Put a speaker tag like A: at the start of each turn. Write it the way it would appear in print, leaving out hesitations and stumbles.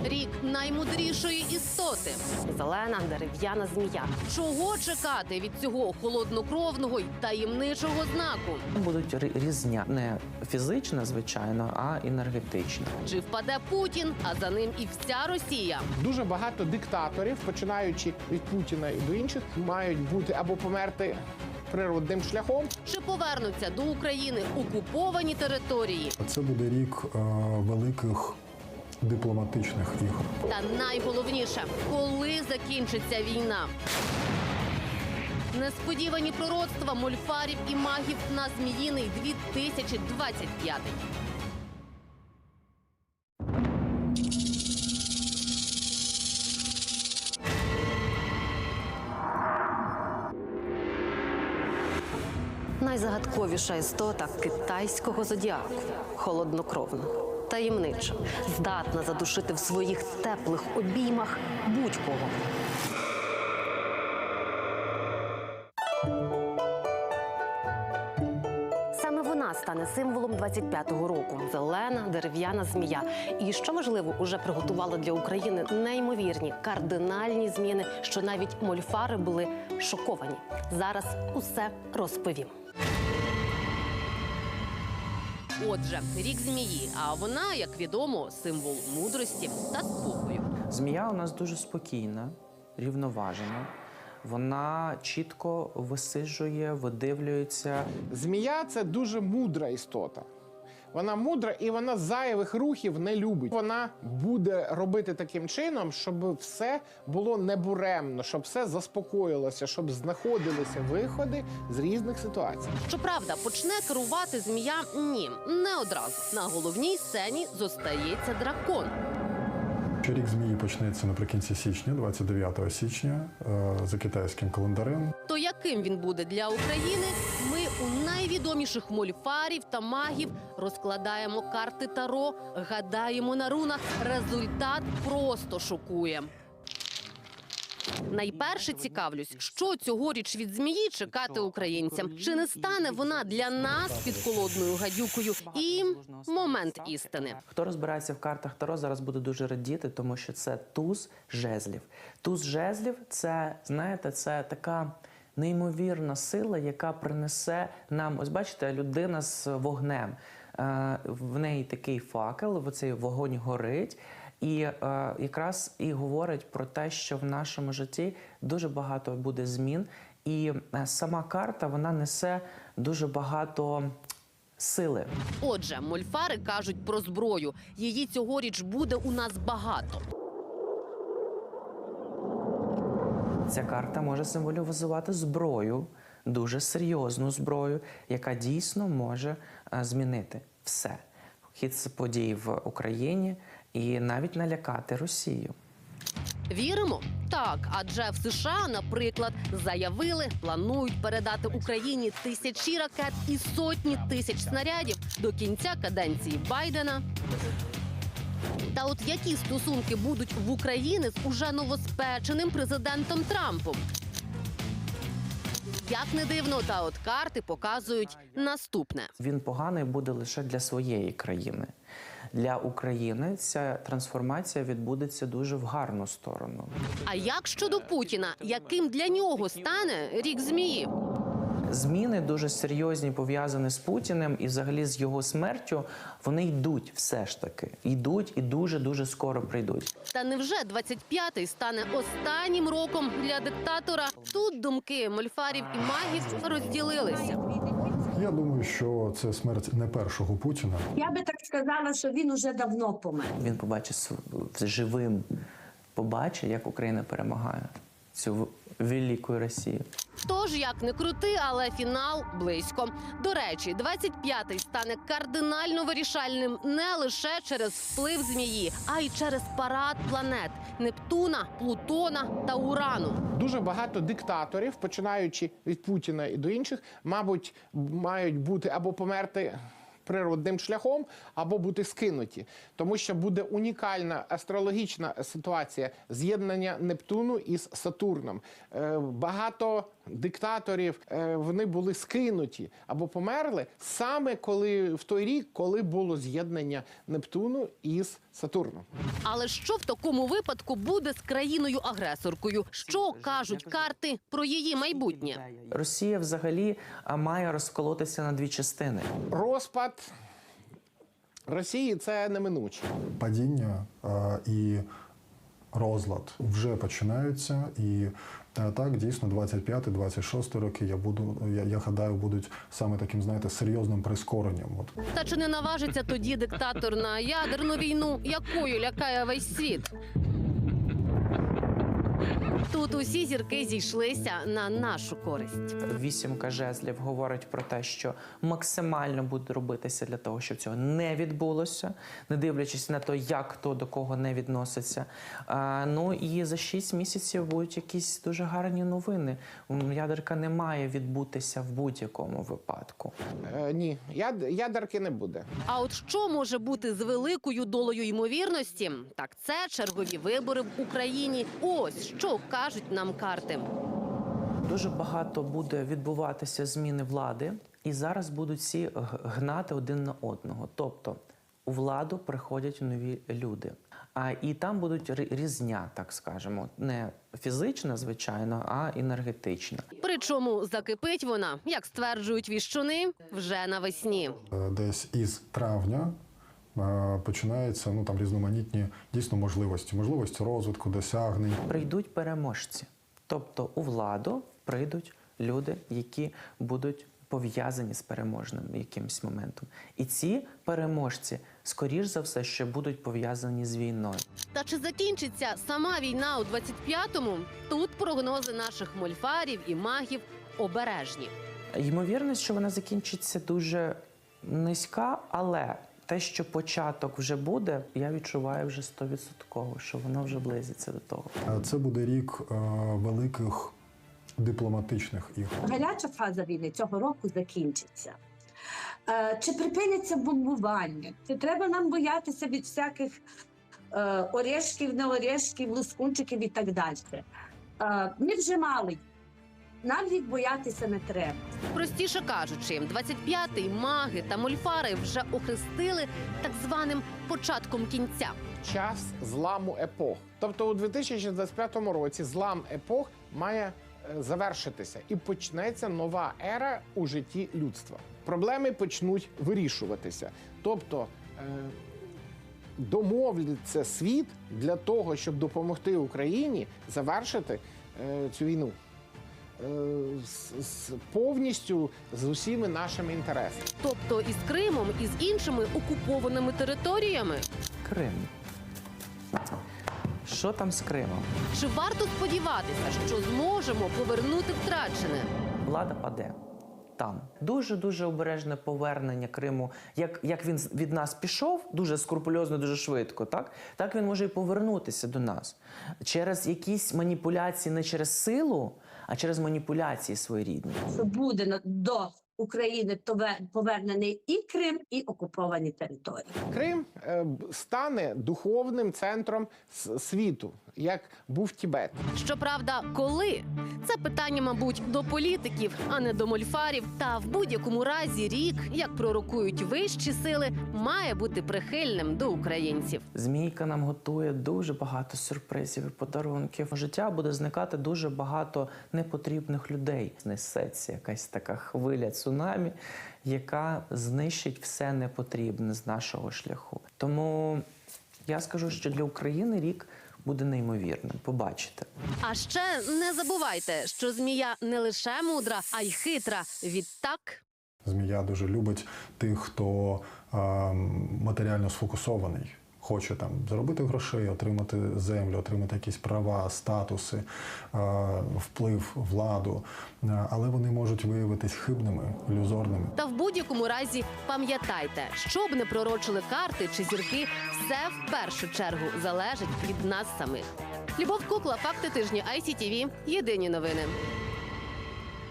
A: Рік наймудрішої істоти.
B: Зелена дерев'яна змія.
A: Чого чекати від цього холоднокровного й таємничого знаку?
C: Будуть різня, не фізична, звичайно, а енергетична.
A: Чи впаде Путін, а за ним і вся Росія?
D: Дуже багато диктаторів, починаючи від Путіна і до інших, мають бути або померти природним шляхом.
A: Чи повернуться до України окуповані території?
E: Це буде рік великих дипломатичних ігор.
A: Та найголовніше, коли закінчиться війна? Несподівані пророцтва мольфарів і магів на Зміїний 2025.
B: Найзагадковіша істота китайського зодіаку – холоднокровна, таємнича, здатна задушити в своїх теплих обіймах будь-кого. Саме вона стане символом 25-го року – зелена дерев'яна змія. І, що важливо, уже приготувала для України неймовірні, кардинальні зміни, що навіть мольфари були шоковані. Зараз усе розповім.
A: Отже, рік змії, а вона, як відомо, символ мудрості та спокою.
C: Змія у нас дуже спокійна, рівноважена. Вона чітко висиджує, видивлюється.
D: Змія – це дуже мудра істота. Вона мудра і вона зайвих рухів не любить. Вона буде робити таким чином, щоб все було небуремно, щоб все заспокоїлося, щоб знаходилися виходи з різних ситуацій.
A: Щоправда, почне керувати змія – ні, не одразу. На головній сцені зостається дракон.
E: Рік змії почнеться наприкінці січня, 29 січня, за китайським календарем.
A: То яким він буде для України, ми у найвідоміших мольфарів та магів розкладаємо карти Таро, гадаємо на рунах. Результат просто шокує. Найперше цікавлюсь, що цьогоріч від змії чекати українцям. Чи не стане вона для нас підколодною гадюкою? І момент істини.
C: Хто розбирається в картах Таро, зараз буде дуже радіти, тому що це туз жезлів. Туз жезлів – це, знаєте, це така неймовірна сила, яка принесе нам, ось бачите, людина з вогнем. В неї такий факел, оцей вогонь горить. І якраз і говорить про те, що в нашому житті дуже багато буде змін. І сама карта, вона несе дуже багато сили.
A: Отже, мольфари кажуть про зброю. Її цьогоріч буде у нас багато.
C: Ця карта може символізувати зброю, дуже серйозну зброю, яка дійсно може змінити все. Хід подій в Україні і навіть налякати Росію.
A: Віримо? Так, адже в США, наприклад, заявили, планують передати Україні тисячі ракет і сотні тисяч снарядів до кінця каденції Байдена. Та от які стосунки будуть в Україні з уже новоспеченим президентом Трампом? Як не дивно, та от карти показують наступне.
C: Він поганий буде лише для своєї країни. Для України ця трансформація відбудеться дуже в гарну сторону.
A: А як щодо Путіна? Яким для нього стане рік змії?
C: Зміни дуже серйозні, пов'язані з Путіним і взагалі з його смертю, вони йдуть все ж таки. Йдуть і дуже-дуже скоро прийдуть.
A: Та невже 25-й стане останнім роком для диктатора? Тут думки мольфарів і магів розділилися.
E: Я думаю, що це смерть не першого Путіна.
F: Я би так сказала, що він уже давно помер.
C: Він побачить живим, побачить, як Україна перемагає цю велику Росію.
A: Тож, як не крути, але фінал близько. До речі, 25-й стане кардинально вирішальним не лише через вплив змії, а й через парад планет – Нептуна, Плутона та Урану.
D: Дуже багато диктаторів, починаючи від Путіна і до інших, мабуть, мають бути або померти природним шляхом, або бути скинуті. Тому що буде унікальна астрологічна ситуація з'єднання Нептуну із Сатурном. Багато диктаторів, вони були скинуті або померли саме в той рік, коли було з'єднання Нептуну із Сатурном.
A: Але що в такому випадку буде з країною-агресоркою? Що кажуть карти про її майбутнє?
C: Росія взагалі має розколотися на дві частини.
D: Розпад Росії – це неминуче.
E: Падіння і розлад вже починаються. І так, дійсно, 25-26 роки, я гадаю, будуть саме таким, знаєте, серйозним прискоренням.
A: Та чи не наважиться тоді диктатор на ядерну війну, якою лякає весь світ? Тут усі зірки зійшлися на нашу користь.
C: Вісімка жезлів говорить про те, що максимально буде робитися для того, щоб цього не відбулося, не дивлячись на те, як хто до кого не відноситься. Ну і за 6 місяців будуть якісь дуже гарні новини. Ядерка не має відбутися в будь-якому випадку.
D: Ні, ядерки не буде.
A: А от що може бути з великою долею ймовірності? Так це чергові вибори в Україні. Ось що кажуть нам карти.
C: Дуже багато буде відбуватися зміни влади, і зараз будуть всі гнати один на одного. Тобто у владу приходять нові люди. І там будуть різня, так скажемо, не фізична, звичайно, а енергетична.
A: Причому закипить вона, як стверджують віщуни, вже навесні.
E: Десь із травня починаються там різноманітні дійсно можливості розвитку, досягнень.
C: Прийдуть переможці. Тобто у владу прийдуть люди, які будуть пов'язані з переможним якимось моментом. І ці переможці, скоріш за все, що будуть пов'язані з війною.
A: Та чи закінчиться сама війна у 25-му? Тут прогнози наших мольфарів і магів обережні.
C: Ймовірність, що вона закінчиться дуже низька, але те, що початок вже буде, я відчуваю вже 100%, що воно вже близиться до того.
E: Це буде рік великих дипломатичних ігор.
F: Гаряча фаза війни цього року закінчиться. Чи припиняться бомбування? Чи треба нам боятися від всяких орешків, не орешків, лискунчиків і так далі? Ми вже мали. Нам їх боятися не треба.
A: Простіше кажучи, 25-й маги та мольфари вже охрестили так званим початком кінця.
D: Час зламу епох. Тобто у 2025 році злам епох має завершитися і почнеться нова ера у житті людства. Проблеми почнуть вирішуватися. Тобто домовляться світ для того, щоб допомогти Україні завершити цю війну. Повністю з усіми нашими інтересами.
A: Тобто із Кримом, і з іншими окупованими територіями.
C: Крим. Що там з Кримом?
A: Чи варто сподіватися, що зможемо повернути втрачене?
C: Влада паде. Там. Дуже-дуже обережне повернення Криму. Як він від нас пішов, дуже скрупульозно, дуже швидко, так він може і повернутися до нас. Через якісь маніпуляції, не через силу, а через маніпуляції своєрідні.
F: Що буде до України повернений і Крим, і окуповані території.
D: Крим стане духовним центром світу, як був Тібет.
A: Щоправда, коли? Це питання, мабуть, до політиків, а не до мольфарів. Та в будь-якому разі рік, як пророкують вищі сили, має бути прихильним до українців.
C: Змійка нам готує дуже багато сюрпризів і подарунків. У життя буде зникати дуже багато непотрібних людей. Несеться якась така хвиля цунамі, яка знищить все непотрібне з нашого шляху. Тому я скажу, що для України рік буде неймовірним. Побачите.
A: А ще не забувайте, що змія не лише мудра, а й хитра. Відтак...
E: Змія дуже любить тих, хто матеріально сфокусований. Хоче заробити грошей, отримати землю, отримати якісь права, статуси, вплив, владу. Але вони можуть виявитись хибними, ілюзорними.
A: Та в будь-якому разі пам'ятайте, що б не пророчили карти чи зірки, все в першу чергу залежить від нас самих. Любов Кукла, факти тижня ICTV. Єдині новини.